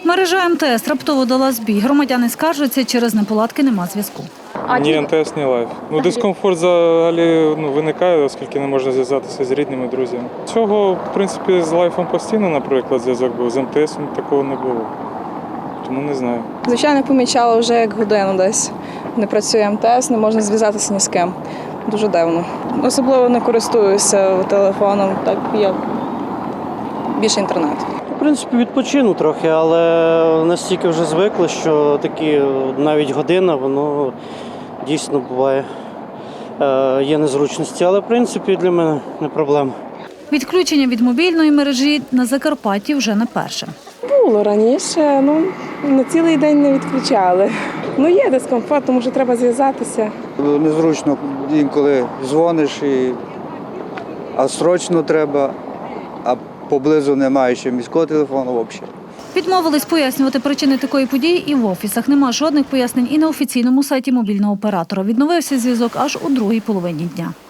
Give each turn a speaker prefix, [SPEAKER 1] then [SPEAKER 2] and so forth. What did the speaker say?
[SPEAKER 1] Мережа МТС раптово дала збій. Громадяни скаржаться, через неполадки нема зв'язку.
[SPEAKER 2] Ні МТС, ні Лайф. Дискомфорт взагалі виникає, оскільки не можна зв'язатися з рідними, друзями. Цього, в принципі, з Лайфом постійно, наприклад, зв'язок був, з МТС такого не було. Тому не знаю.
[SPEAKER 3] Звичайно, помічала вже як годину десь. Не працює МТС, не можна зв'язатися ні з ким. Дуже дивно. Особливо не користуюся телефоном, так як більше інтернет.
[SPEAKER 4] В принципі, відпочину трохи, але настільки вже звикли, що такі навіть година, воно дійсно буває, є незручності. Але, в принципі, для мене не проблема.
[SPEAKER 1] Відключення від мобільної мережі на Закарпатті вже не перше.
[SPEAKER 5] Було раніше, на цілий день не відключали. Є дискомфорт, тому що треба зв'язатися.
[SPEAKER 6] Незручно інколи дзвониш, а срочно треба, а поблизу немає ще міського телефону взагалі.
[SPEAKER 1] Відмовились пояснювати причини такої події і в офісах. Нема жодних пояснень і на офіційному сайті мобільного оператора. Відновився зв'язок аж у другій половині дня.